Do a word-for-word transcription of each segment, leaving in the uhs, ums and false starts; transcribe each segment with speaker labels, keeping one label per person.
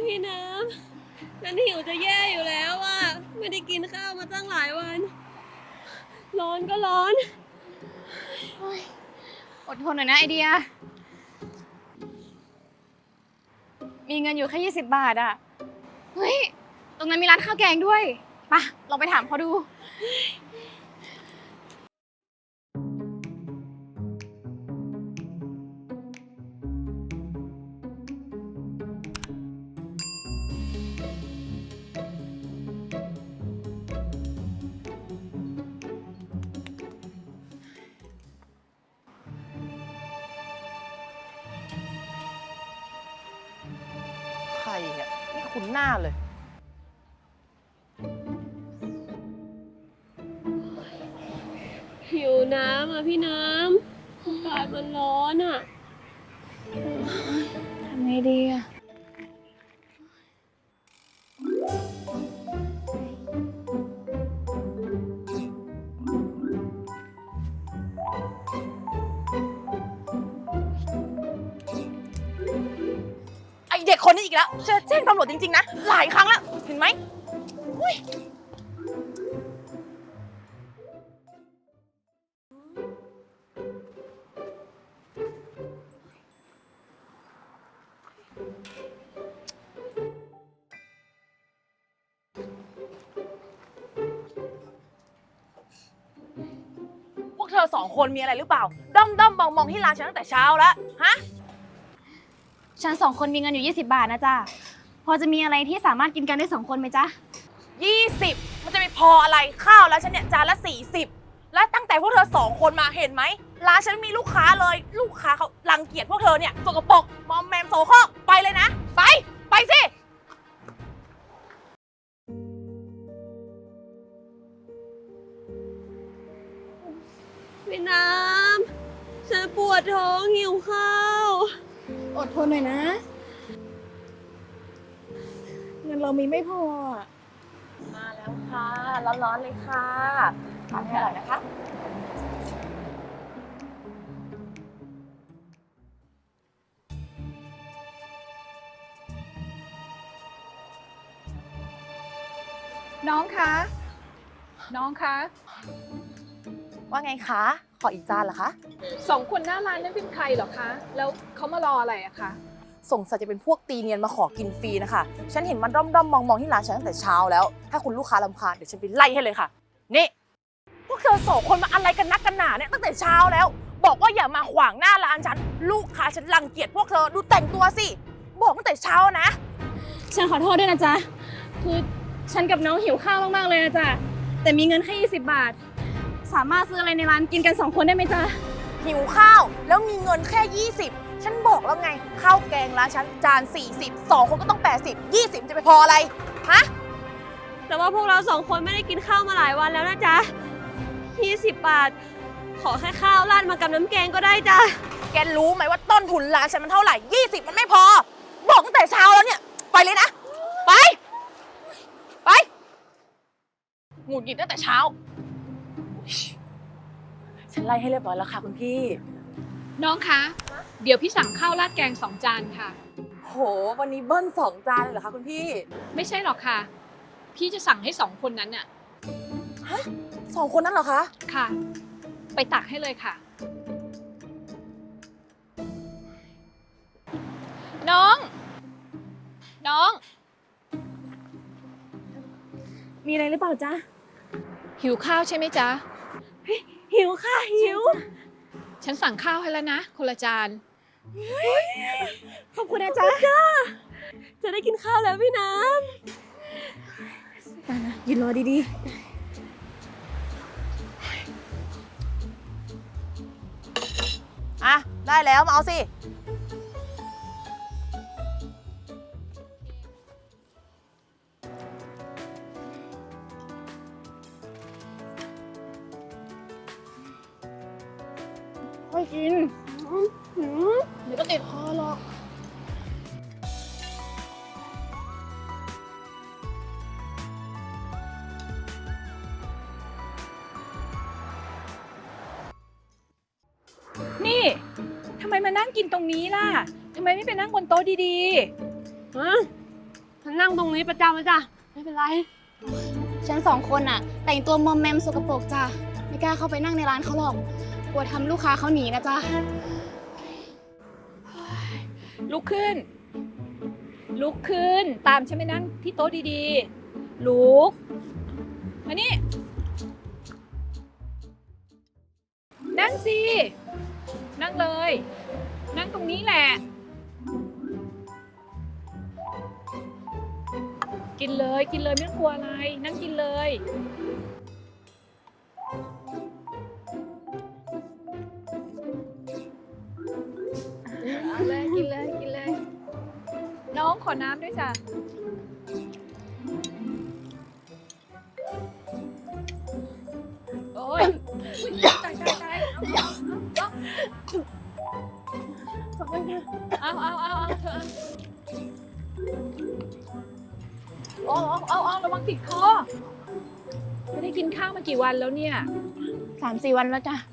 Speaker 1: พี่น้ำฉันหิวจะแย่อยู่แล้วอ่ะไม่ได้กินข้าวมาตั้งหลายวัน ร้อนก็ร้อน
Speaker 2: อดทนหน่อยนะไอเดีย มีเงินอยู่แค่ยี่สิบบาทอะเฮ้ย ตรงนั้นมีร้านข้าวแกงด้วยไปะลองไปถามเขาดู
Speaker 3: ใครเนี่ยไม่คุ้นหน้าเลย
Speaker 1: หิวน้ำอ่ะพี่น้ำอากาศมันร้อนอ่ะ
Speaker 2: ทำไงดีอะ
Speaker 3: ไอเด็กคนนี้อีกแล้วจะแจ้งตำรวจจริงๆนะ หลายครั้งแล้ว เห็นไหมอุ๊ยพวกเธอสองคนมีอะไรหรือเปล่า ด้อมด้อมมองมองที่ร้านฉันตั้งแต่เช้าแล้ว ฮะ
Speaker 2: ฉันสองคนมีเงินอยู่ยี่สิบบาทนะจ๊ะ พอจะมีอะไรที่สามารถกินกันได้สองคนไหมจ๊ะ
Speaker 3: ยี่สิบมันจะไปพออะไรข้าวแล้วฉันเนี่ยจานละสี่สิบแล้วตั้งแต่พวกเธอสองคนมาเห็นไหมร้านฉันมีลูกค้าเลยลูกค้าเขารังเกียจพวกเธอเนี่ยสกปรกมอมแมมโสโครกไปเลยนะ ไปไปสิ
Speaker 1: พี่น้ำฉันปวดท้องหิวข้าว
Speaker 2: อดทนหน่อยนะ เงินเรามีไม่พอ
Speaker 3: มาแล้วค่ะร้อนๆเลยค่ะทานให้อร่อยนะคะ
Speaker 4: น้องคะ น้องคะ
Speaker 3: ว่าไงคะขออีกจานเหรอคะ
Speaker 4: สองคนหน้าร้านนั้นเป็นใครเหรอคะ แล้วเขามารออะไรอะคะ
Speaker 3: สงสัยจะเป็นพวกตีเนียนมาขอกินฟรีนะคะฉันเห็นมันด้อมๆมองๆที่ร้านฉันตั้งแต่เช้าแล้วถ้าคุณลูกค้ารำคาญเดี๋ยวฉันไปไล่ให้เลยค่ะนี่พวกเธอสองคนมาอะไรกันนักกันหนาเนี่ยตั้งแต่เช้าแล้ว บอกว่าอย่ามาขวางหน้าร้านฉันลูกค้าฉันรังเกียจพวกเธอดูแต่งตัวสิบอกตั้งแต่เช้านะ
Speaker 2: ฉันขอโทษด้วยนะจ๊ะ คือฉันกับน้องหิวข้าวมากๆเลยนะจ๊ะ แต่มีเงินแค่ยี่สิบบาท สามารถซื้ออะไรในร้านกินกันสองคนได้ไหมจ๊ะ
Speaker 3: หิวข้าวแล้วมีเงินแค่ยี่สิบฉันบอกแล้วไงข้าวแกงร้านฉันจานสี่สิบสองคนก็ต้องแปดสิบ ยี่สิบจะไปพออะไรฮะ
Speaker 1: แต่ว่าพวกเราสองคนไม่ได้กินข้าวมาหลายวันแล้วนะจ๊ะยี่สิบบาท ขอแค่ข้าวราดมากับน้ำแกงก็ได้จ้ะ
Speaker 3: แกรู้ไหมว่าต้นทุนร้านฉันมันเท่าไหร่ยี่สิบมันไม่พอ บอกตั้งแต่เช้าแล้วเนี่ย ไปเลยนะ ไป ไปหงุดหงิดตั้งแต่เช้า ฉันไล่ให้เรียบร้อยแล้วค่ะคุณพี่
Speaker 4: น้องคะ เดี๋ยวพี่สั่งข้าวราดแกงสองจานค่ะ
Speaker 3: โห วันนี้เบิ้ลสองจานเลยเหรอคะคุณพี่
Speaker 4: ไม่ใช่หรอกค่ะ พี่จะสั่งให้สองคนนั้นน่ะ
Speaker 3: ฮะสองคนนั้นเหรอคะ
Speaker 4: ค่ะ ไปตักให้เลยค่ะ น้อง น้อง
Speaker 2: มีอะไรหรือเปล่าจ๊ะ
Speaker 4: หิวข้าวใช่ไหมจ๊ะ
Speaker 1: หิวค่ะหิว
Speaker 4: ฉันสั่งข้าวให้แล้วนะ คนละจาน
Speaker 2: ขอบคุณนะจ๊ะ
Speaker 1: จะได้กินข้าวแล้วพี่น้
Speaker 2: ตานะยืนรอดี
Speaker 3: อ่ะ ได้แล้วมาเอาสิ
Speaker 2: ๆค่อยกิน
Speaker 3: เดี๋ยวก็ติดคอหรอก
Speaker 4: นี่ทำไมมานั่งกินตรงนี้ล่ะทำไมไม่ไปนั่งบนโต๊ะดี
Speaker 1: ำฮะฉันนั่งตรงนี้ประจำเลยจ้ะไม่เป็นไร
Speaker 2: ฉันสองคนอะแต่งตัวมอมแมมสกปรกจ้ะไม่กล้าเข้าไปนั่งในร้านเขาหรอกกลัวทำลูกค้าเขาหนีนะจ๊ะ
Speaker 4: ลุกขึ้น ลุกขึ้น ตามฉันไปนั่งที่โต๊ะดีๆ ลุก มานี่ นั่งสิ นั่งเลย นั่งตรงนี้แหละ กินเลย กินเลยไม่ต้องกลัวอะไร นั่งกินเลย เอาเลย กินเลย กินเลย น้องขอน้ำด้วยจ้ะ โอ้ยตายตายตายเอาเอาเอาเอาเธอเอาเอาเอาระวังติดคอ ไม่ได้กินข้าวมากี่วันแล้วเนี่ย
Speaker 2: สามสี่วันแล้วจ้ะ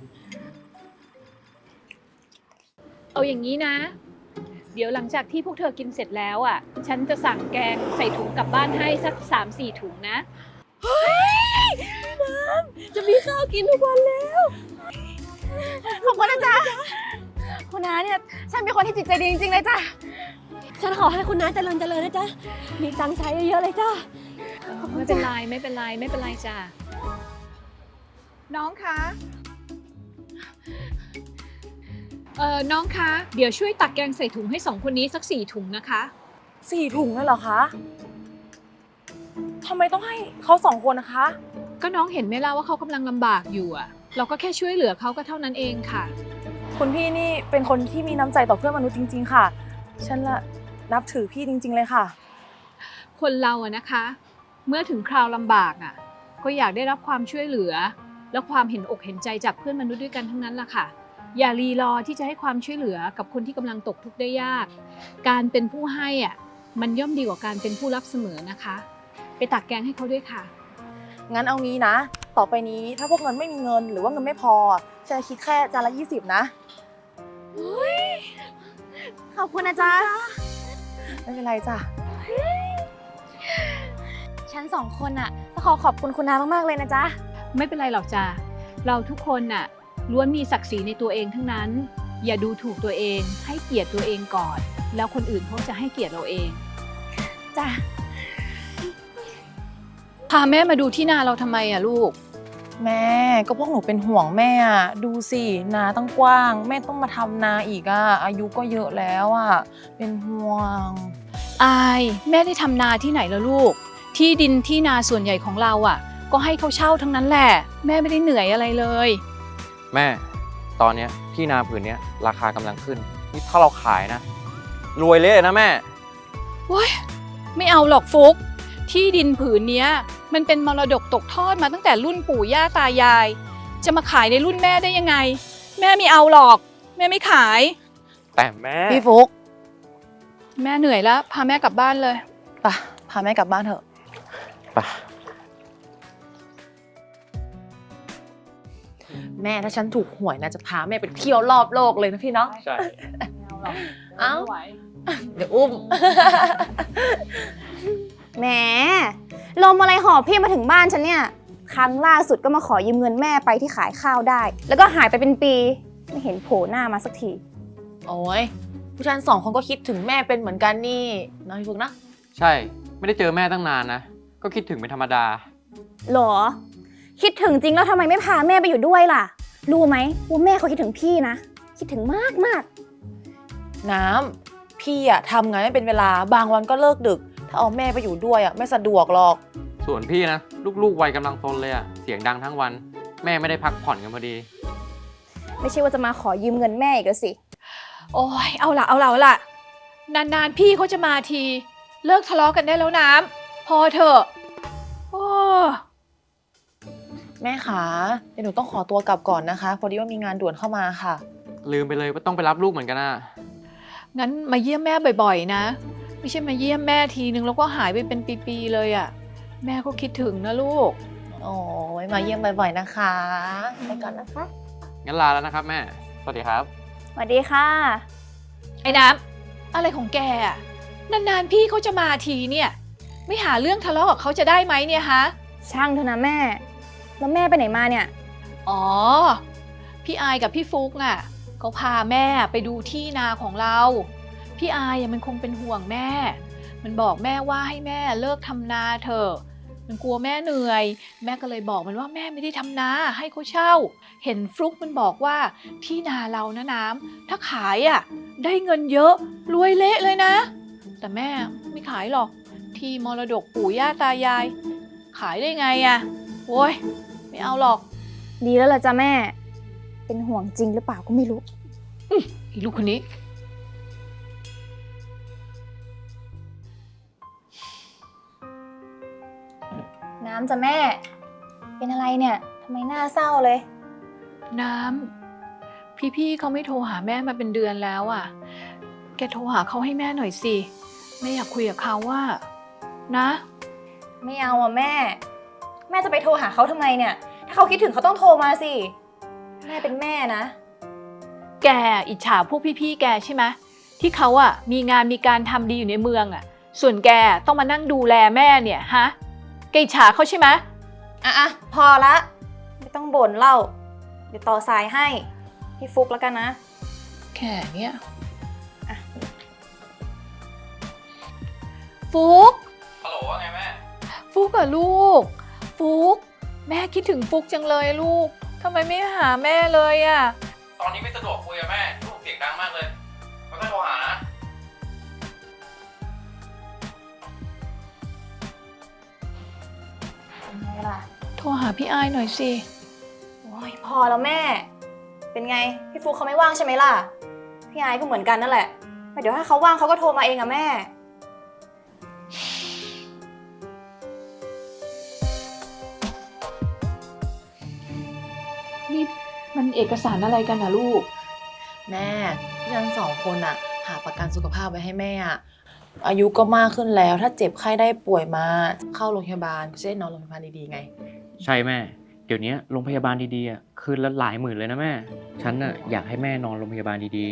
Speaker 4: เอาอย่างนี้นะ เดี๋ยวหลังจากที่พวกเธอกินเสร็จแล้วอ่ะ ฉันจะสั่งแกงใส่ถุงกลับบ้านให้สักสามสี่ถุงนะ
Speaker 1: จะมีข้าวกินทุกวันแล้ว
Speaker 2: ขอบคุณนะจ๊ะคุณน้าเนี่ยฉันเป็นคนที่จิตใจดีจริงๆเลยจ้ะ
Speaker 1: ฉันขอให้คุณน้าเจริญเจริญนะจ๊ะมีตังค์ใช้เยอะๆเลยจ้ะ
Speaker 4: ไม่เป็นไรไม่เป็นไรไม่เป็นไรจ้ะ น้องคะ เอ่อ น้องคะ เดี๋ยวช่วยตักแกงใส่ถุงให้สองคนนี้สักสี่ถุงนะคะ
Speaker 3: สี่ถุงเลยเหรอคะทำไมต้องให้เขาสองคนนะคะ
Speaker 4: ก็น้องเห็นไหมล่ะว่าเขากำลังลำบากอยู่อ่ะ เราก็แค่ช่วยเหลือเขาก็เท่านั้นเองค่ะ
Speaker 3: คุณพี่นี่เป็นคนที่มีน้ำใจต่อเพื่อนมนุษย์จริงๆค่ะ ฉันละนับถือพี่จริงๆเลยค่ะ
Speaker 4: คนเราอะนะคะ เมื่อถึงคราวลำบากอะก็อยากได้รับความช่วยเหลือ และความเห็นอกเห็นใจจากเพื่อนมนุษย์ด้วยกันทั้งนั้นล่ะค่ะ อย่ารีรอที่จะให้ความช่วยเหลือกับคนที่กำลังตกทุกข์ได้ยาก การเป็นผู้ให้อะมันย่อมดีกว่าการเป็นผู้รับเสมอนะคะ ไปตักแกงให้เขาด้วยค่ะ
Speaker 3: งั้นเอางี้นะ ต่อไปนี้ถ้าพวกเงินไม่มีเงินหรือว่าเงินไม่พอฉันจะคิดแค่จานละยี่สิบนะ
Speaker 2: ขอบคุณนะจ๊ะ
Speaker 3: ไม่เป็นไรจ้ะ
Speaker 2: ฉันสองคนอะต้องขอขอบคุณคุณน้ามากๆเลยนะจ๊ะ
Speaker 4: ไม่เป็นไรหรอกจ้ะเราทุกคนน่ะล้วนมีศักดิ์ศรีในตัวเองทั้งนั้น อย่าดูถูกตัวเอง ให้เกียรติตัวเองก่อน แล้วคนอื่นเขาจะให้เกียรติเราเอง
Speaker 2: จ้ะ
Speaker 4: พาแม่มาดูที่นาเราทำไมอะลูก
Speaker 3: แม่ก็พวกหนูเป็นห่วงแม่อะดูสินาตั้งกว้าง แม่ต้องมาทำนาอีกอะอายุก็เยอะแล้วอะเป็นห่วง
Speaker 4: อายแม่ได้ทำนาที่ไหนแล้วลูก ที่ดินที่นาส่วนใหญ่ของเราอ่ะ ก็ให้เขาเช่าทั้งนั้นแหละ แม่ไม่ได้เหนื่อยอะไรเลย
Speaker 5: แม่ ตอนเนี้ยที่นาผืนเนี้ยราคากำลังขึ้น นี่ถ้าเราขายนะ รวยเลยนะแม่
Speaker 4: ว้ยไม่เอาหรอกฟุก ที่ดินผืนเนี้ย มันเป็นมรดกตกทอดมาตั้งแต่รุ่นปู่ย่าตายาย จะมาขายในรุ่นแม่ได้ยังไง แม่ไม่เอาหรอก แม่ไม่ขาย
Speaker 5: แต่แม่
Speaker 3: พี่ฟุก
Speaker 4: แม่เหนื่อยแล้วพาแม่กลับบ้านเลย
Speaker 3: ไปพาแม่กลับบ้านเถอะ
Speaker 5: ไป
Speaker 3: แม่ถ้าฉันถูกหวยนะจะพาแม่ไปเที่ยวรอบโลกเลยนะพี่เนาะ
Speaker 5: ใช่
Speaker 3: เอ้า เดี๋ยวอุ้ม
Speaker 2: แหมลมอะไรหอบพี่มาถึงบ้านฉันเนี่ย ครั้งล่าสุดก็มาขอยืมเงินแม่ไปที่ขายข้าวได้ แล้วก็หายไปเป็นปี ไม่เห็นโผล่หน้ามาสักที
Speaker 3: โอ้ยผู้ชายสองคนก็คิดถึงแม่เป็นเหมือนกันนี่น้อยฟุกนะ
Speaker 5: ใช่ ไม่ได้เจอแม่ตั้งนานนะ ก็คิดถึงเป็นธรรมดา
Speaker 2: หรอ คิดถึงจริงแล้วทำไมไม่พาแม่ไปอยู่ด้วยล่ะ รู้ไหมว่าแม่เขาคิดถึงพี่นะ คิดถึงมากมาก
Speaker 3: น้ำพี่อะทำงานไม่เป็นเวลาบางวันก็เลิกดึก ถ้าเอาแม่ไปอยู่ด้วยอะไม่สะดวกหรอก
Speaker 5: ส่วนพี่นะ ลูกๆวัยกำลังโตเลยอะเสียงดังทั้งวัน แม่ไม่ได้พักผ่อนกันพอดี
Speaker 2: ไม่ใช่ว่าจะมาขอยืมเงินแม่อีกแล้วสิ
Speaker 4: โอ้ยเอาละเอาละเอาละนานๆพี่เขาจะมาที เลิกทะเลาะกันได้แล้วน้ำพอเถอะโอ้
Speaker 3: แม่ขาเดี๋ยวหนูต้องขอตัวกลับก่อนนะคะ พอดีว่ามีงานด่วนเข้ามาค่ะ
Speaker 5: ลืมไปเลยว่าต้องไปรับลูกเหมือนกันนะ
Speaker 4: งั้นมาเยี่ยมแม่บ่อยๆนะ ไม่ใช่มาเยี่ยมแม่ทีนึงแล้วก็หายไปเป็นปีๆเลยอะ่ะแม่ก็คิดถึงนะลูก
Speaker 3: โอ้ยมาเยี่ยมบ่อยๆนะคะไปก่อนนะคะ
Speaker 5: งั้นลาแล้วนะครับแม่ สวัสดีครับ
Speaker 2: สวัสดีค่ะ
Speaker 4: ไอ้น้ำอะไรของแกอะนานๆพี่เขาจะมาทีเนี่ยไม่หาเรื่องทะเลาะกับเขาจะได้ไหมเนี่ยฮะ
Speaker 2: ช่างเถอะนะแม่ แล้วแม่ไปไหนมาเนี่ย
Speaker 4: อ๋อ พี่อายกับพี่ฟุกน่ะเขาพาแม่ไปดูที่นาของเรา พี่อายมันคงเป็นห่วงแม่ มันบอกแม่ว่าให้แม่เลิกทำนาเถอะ มันกลัวแม่เหนื่อย แม่ก็เลยบอกมันว่าแม่ไม่ได้ทำนาให้เขาเช่า เห็นฟลุกมันบอกว่าที่นาเรานะน้ำถ้าขายอ่ะได้เงินเยอะรวยเละเลยนะ แต่แม่ไม่ขายหรอก ที่มรดกปู่ย่าตายาย ขายได้ไงอ่ะโว้ยไม่เอาหรอก
Speaker 2: ดีแล้วล่ะจ้ะแม่ เป็นห่วงจริงหรือเปล่าก็ไม่รู้
Speaker 4: อีลูกคนนี้
Speaker 2: น้ำจ้ะแม่ เป็นอะไรเนี่ยทำไมหน้าเศร้าเลย
Speaker 4: น้ำพี่ๆเขาไม่โทรหาแม่มาเป็นเดือนแล้วอ่ะ แกโทรหาเขาให้แม่หน่อยสิแม่อยากคุยกับเขาว่านะ
Speaker 2: ไม่เอาอ่ะแม่ แม่จะไปโทรหาเขาทำไมเนี่ย ถ้าเขาคิดถึงเขาต้องโทรมาสิ แม่เป็นแม่นะ
Speaker 4: แกอิจฉาพวกพี่ๆแกใช่ไหมที่เขาอ่ะมีงานมีการทำดีอยู่ในเมืองอ่ะ ส่วนแกต้องมานั่งดูแลแม่เนี่ยฮะแกอิจฉาเขาใช่ไหม
Speaker 2: อ่ะอ่ะพอละ ไม่ต้องบ่นเล่า เดี๋ยวต่อสายให้ พี่ฟุกแล้วกันนะ
Speaker 4: แค่เนี้ยฟุก
Speaker 5: ฮัลโหลว่าไงแม่
Speaker 4: ฟุกกับลูก ฟุกแม่คิดถึงฟุกจังเลยลูกทำไมไม่หาแม่เลยอ่ะ
Speaker 5: ตอนนี้ไม่สะดวกคุยกับแม่ลูกเสียงดังมากเลยไม่ค่อยโทรหานะ
Speaker 2: เป็นไงล่ะ
Speaker 4: โทรหาพี่อายหน่อยสิ
Speaker 2: โอ้ยพอแล้วแม่ เป็นไง พี่ฟุกเขาไม่ว่างใช่ไหมล่ะ พี่ไอซ์ก็เหมือนกันนั่นแหละแต่เดี๋ยวถ้าเขาว่างเขาก็โทรมาเองอะแม่
Speaker 4: นี่มันเอกสารอะไรกันนะลูก
Speaker 3: แม่พี่ทั้งสองคนอะหาประกันสุขภาพไว้ให้แม่อะอายุก็มากขึ้นแล้วถ้าเจ็บไข้ได้ป่วยมาเข้าโรงพยาบาลก็จะได้นอนโรงพยาบาลดีๆไง
Speaker 5: ใช่แม่ เดี๋ยวนี้โรงพยาบาลดีๆอ่ะคืนละหลายหมื่นเลยนะแม่ ฉันน่ะอยากให้แม่นอนโรงพยาบาลดี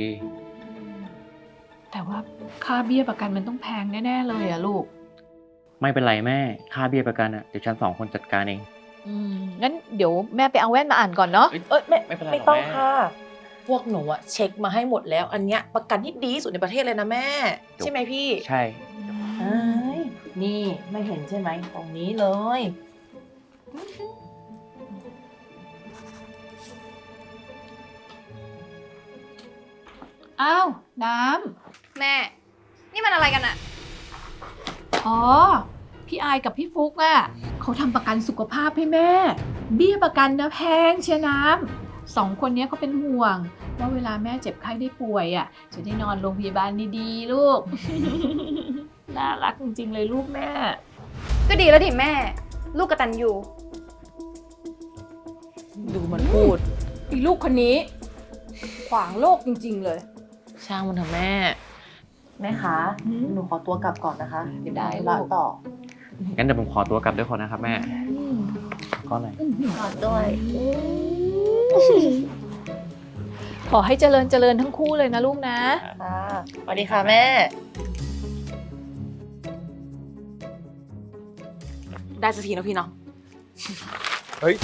Speaker 4: แต่ว่าค่าเบี้ยประกันมันต้องแพงแน่ๆเลยอะลูก
Speaker 5: ๆ ไม่เป็นไรแม่ ค่าเบี้ยประกันอ่ะเดี๋ยวฉันสองคนจัดการเอง
Speaker 4: อืมงั้นเดี๋ยวแม่ไปเอาแว่นมาอ่านก่อนเนาะ
Speaker 3: เอ้ยไม่
Speaker 5: ไม่เป็นไรหรอก
Speaker 3: ไม่ต้อง
Speaker 5: แม่
Speaker 3: ค่ะ พวกหนูอะเช็คมาให้หมดแล้ว อันเนี้ยประกันที่ดีที่สุดในประเทศเลยนะแม่ ใช่ไหมพี่
Speaker 5: ใช่
Speaker 3: เอ้ยนี่ไม่เห็นใช่ไหมตรงนี้เลย
Speaker 4: อ้าวน้
Speaker 2: แม่ นี่มันอะไรกันอะ
Speaker 4: ำอ๋อ พี่อายกับพี่ฟุกอะเขาทำประกันสุขภาพให้แม่ เบี้ยประกันนะแพงเชียน้ำสองคนนี้เขาเป็นห่วง ว่าเวลาแม่เจ็บไข้ได้ป่วยอะจะได้นอนโรงพยาบาลดีๆ ลูก น่ารักจริงๆเลยลูกแม่
Speaker 2: ก็ดีแล้วดิแม่ ลูกกตัญญู
Speaker 3: ดูมันพูด
Speaker 4: อีลูกคนนี้ ขวางโลกจริงๆเลย
Speaker 3: ช่างมันเถอะแม่ แม่คะ
Speaker 4: อืม
Speaker 3: หนูขอตัวกลับก่อนนะคะเดี๋ยว
Speaker 4: ได้
Speaker 3: ไป
Speaker 4: ลู
Speaker 3: ราก ต่อ
Speaker 5: งั้นเดี๋ยวผมขอตัวกลับด้วยคนนะครับแม่ก็ไหน
Speaker 3: ขอด้วย
Speaker 4: ขอให้เจริญเจริญทั้งคู่เลยนะลูกนะ
Speaker 3: ค่ะสวัสดีค่ะแม่ ได้สักทีนะพี่เนาะ
Speaker 5: เฮ้ย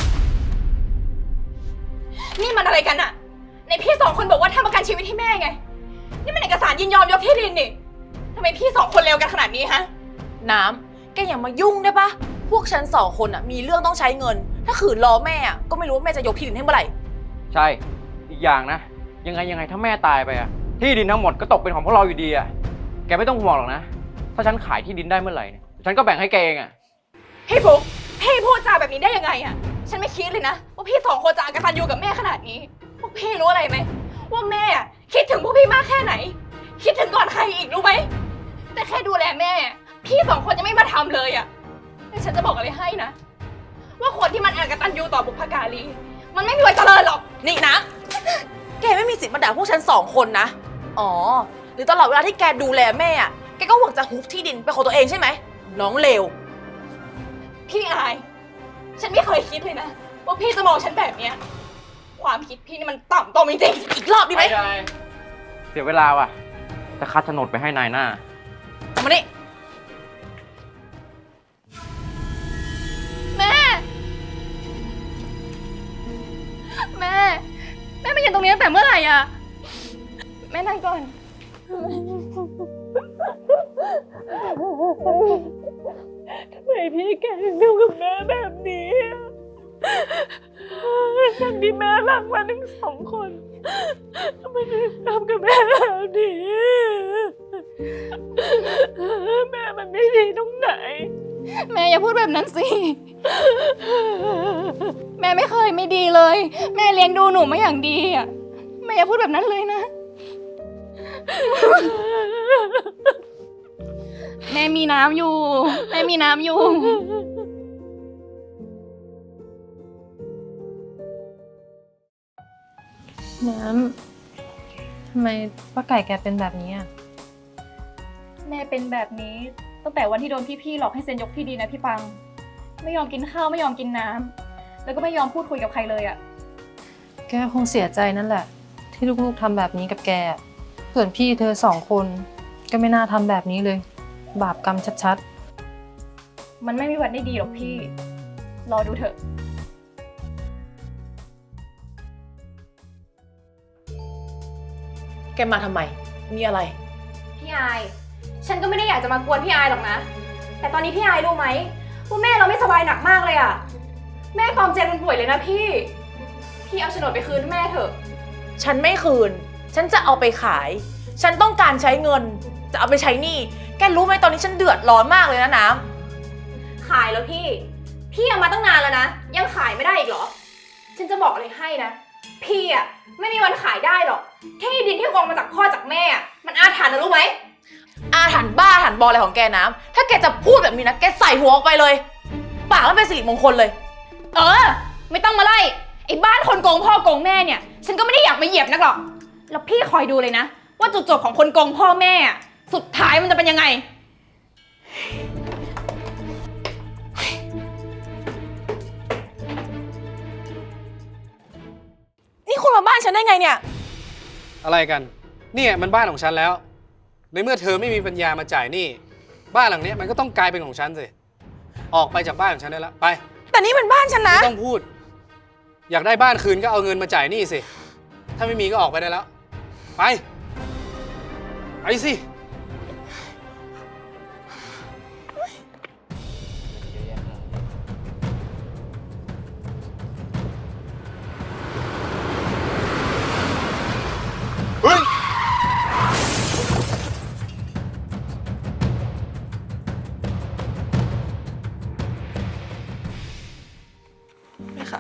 Speaker 6: นี่มันอะไรกันอะในพี่สองคนบอกว่าทำประกันชีวิตให้แม่ไง นี่มันเอกสารยินยอมยกที่ดินนี่ทำไมพี่สองคนเลวกันขนาดนี้ฮะ
Speaker 3: น้ำแกอย่ามายุ่งได้ปะพวกฉันสองคนอะมีเรื่องต้องใช้เงิน ถ้าขืนรอแม่อะก็ไม่รู้ว่าแม่จะยกที่ดินให้เมื่อไหร่
Speaker 5: ใช่ อีกอย่างนะ ยังไงยังไงถ้าแม่ตายไปอ่ะ ที่ดินทั้งหมดก็ตกเป็นของพวกเราอยู่ดีอ่ะ แกไม่ต้องห่วงหรอกนะ ถ้าฉันขายที่ดินได้เมื่อไหร่เนี่ย ฉันก็แบ่งให้แกเองอ่ะ
Speaker 6: พี่ฟุกพี่พูดจาแบบนี้ได้ยังไงอะฉันไม่คิดเลยนะว่าพี่สองคนจะอกตัญญูกับแม่ขนาดนี้ พวกพี่รู้อะไรไหมว่าแม่อะคิดถึงพวกพี่มากแค่ไหน คิดถึงก่อนใครอีกรู้ไหมแต่แค่ดูแลแม่ พี่สองคนยังไม่มาทำเลยอะแต่ฉันจะบอกอะไรให้นะ ว่าคนที่มันอกตัญญูต่อบุพการีมันไม่มีวันเจริญหรอก
Speaker 3: นี่นะ แกไม่มีสิทธิ์มาด่าพวกฉันสองคนนะ อ๋อ หรือตลอดเวลาที่แกดูแลแม่อะแกก็หวังจะฮุบที่ดินเป็นของตัวเองใช่ไหม น้องเลว
Speaker 6: พี่อาย ฉันไม่เคยคิดเลยนะ ว่าพี่จะมองฉันแบบเนี้ย ความคิดพี่นี่มันต่ำตมจริงๆ
Speaker 3: อีกรอบดีไหม
Speaker 5: ไม่ได้ เสียเวลาว่ะ จะคัดโฉนดไปให้นายหน้า
Speaker 3: เอามานี่ทำไมพี่แกถึงทำกับแม่แบบนี้ทั้งที่แม่รักมันทั้งสองคนทำไมถึงทำกับแม่แบบนี้แม่มันไม่ดีตรงไหน
Speaker 2: แม่อย่าพูดแบบนั้นสิ แม่ไม่เคยไม่ดีเลย แม่เลี้ยงดูหนูมาอย่างดีอ่ะ แม่อย่าพูดแบบนั้นเลยนะ แม่มีน้ำอยู่ แม่มีน้ำอยู่
Speaker 7: น้ำทำไมป้าไก่แกเป็นแบบนี้อ่ะ
Speaker 2: แม่เป็นแบบนี้ตั้งแต่วันที่โดนพี่ๆหลอกให้เซ็นยกที่ดินนะพี่ปัง ไม่ยอมกินข้าวไม่ยอมกินน้ำแล้วก็ไม่ยอมพูดคุยกับใครเลยอ่ะ
Speaker 7: แกคงเสียใจนั่นแหละ ที่ลูกๆทำแบบนี้กับแกส่วนพี่เธอสองคนก็ไม่น่าทำแบบนี้เลย บาปกรรมชัด
Speaker 2: มันไม่มีวันได้ดีหรอกพี่ รอดูเถอะ
Speaker 3: แกมาทำไมมีอะไร
Speaker 2: พี่อาย ฉันก็ไม่ได้อยากจะมากวนพี่อายหรอกนะ แต่ตอนนี้พี่อายรู้ไหมว่าแม่เราไม่สบายหนักมากเลยอะแม่กอมเจนมันป่วยเลยนะพี่ พี่เอาโฉนดไปคืนแม่เถอะ
Speaker 3: ฉันไม่คืน ฉันจะเอาไปขาย ฉันต้องการใช้เงิน จะเอาไปใช้หนี้ แกรู้ไหมตอนนี้ฉันเดือดร้อนมากเลยนะน้ำ
Speaker 2: ขายแล้วพี่ พี่เอามาตั้งนานแล้วนะ ยังขายไม่ได้อีกเหรอ ฉันจะบอกอะไรให้นะ พี่อะไม่มีวันขายได้หรอก ที่ดินที่กองมาจากพ่อจากแม่อะมันอาถรรพ์นะรู้ไหม
Speaker 3: อาถรรพ์บ้าอาถรรพ์บออะไรของแกน้ำ ถ้าแกจะพูดแบบนี้นะ แกใส่หัวออกไปเลย ปากไม่เป็นสิริมงคลเลย
Speaker 2: เออ ไม่ต้องมาไล่ไอ้บ้านคนโกงพ่อโกงแม่เนี่ย ฉันก็ไม่ได้อยากมาเหยียบนักหรอกแล้วพี่คอยดูเลยนะ ว่าจุดจบของคนโกงพ่อแม่อะสุดท้ายมันจะเป็นยังไง
Speaker 3: นี่คุณมาบ้านฉันได้ไงเนี่ย
Speaker 8: อะไรกันเนี่ยมันบ้านของฉันแล้ว ในเมื่อเธอไม่มีปัญญามาจ่ายหนี้บ้านหลังนี้มันก็ต้องกลายเป็นของฉันสิออกไปจากบ้านของฉันได้แล้วไป
Speaker 3: แต่นี่มันบ้านฉันนะ
Speaker 8: ไม่ต้องพูด อยากได้บ้านคืนก็เอาเงินมาจ่ายหนี้สิถ้าไม่มีก็ออกไปได้แล้วไปไปสิเฮ้ย
Speaker 3: แม่คะ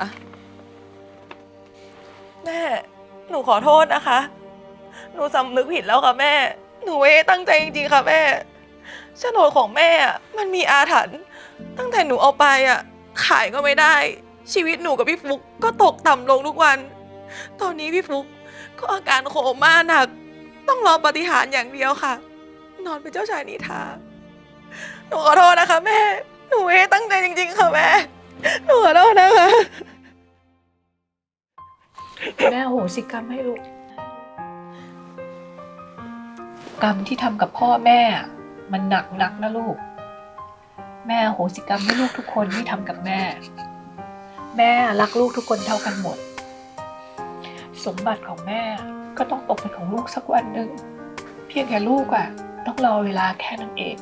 Speaker 3: แม่ หนูขอโทษนะคะ หนูสำนึกผิดแล้วค่ะแม่ หนูไม่ได้ตั้งใจจริงๆค่ะแม่โฉนดของแม่อะมันมีอาถรรพ์ตั้งแต่หนูเอาไปอ่ะขายก็ไม่ได้ ชีวิตหนูกับพี่ฟุกก็ตกต่ำลงทุกวัน ตอนนี้พี่ฟุกก็อาการโคม่าหนัก ต้องรอปาฏิหาริย์อย่างเดียวค่ะ นอนเป็นเจ้าชายนิทราหนูขอโทษนะคะแม่ หนูไม่ได้ตั้งใจจริงๆค่ะแม่ หนูขอโทษนะคะ
Speaker 4: แม่อโหสิกรรมให้ลูก กรรมที่ทำกับพ่อแม่มันหนักนักนะลูก แม่อโหสิกรรมให้ลูกทุกคนที่ทำกับแม่ แม่รักลูกทุกคนเท่ากันหมด สมบัติของแม่ก็ต้องตกเป็นของลูกสักวันหนึ่งเพียงแค่ลูกอะต้องรอเวลาแค่นั้นเอง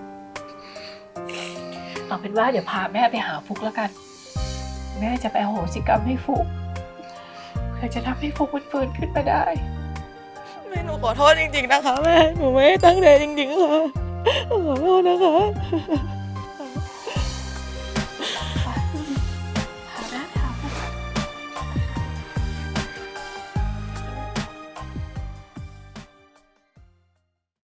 Speaker 4: เอาเป็นว่าเดี๋ยวพาแม่ไปหาฟุกแล้วกัน แม่จะไปอโหสิกรรมให้ฟุกเพื่อจะทำให้ฟุกมันฟื้นขึ้นมาได้
Speaker 3: แม่หนูขอโทษจริงๆนะคะแม่ หนูไม่ได้ตั้งใจจริงๆค่ะ หนูขอโทษนะคะ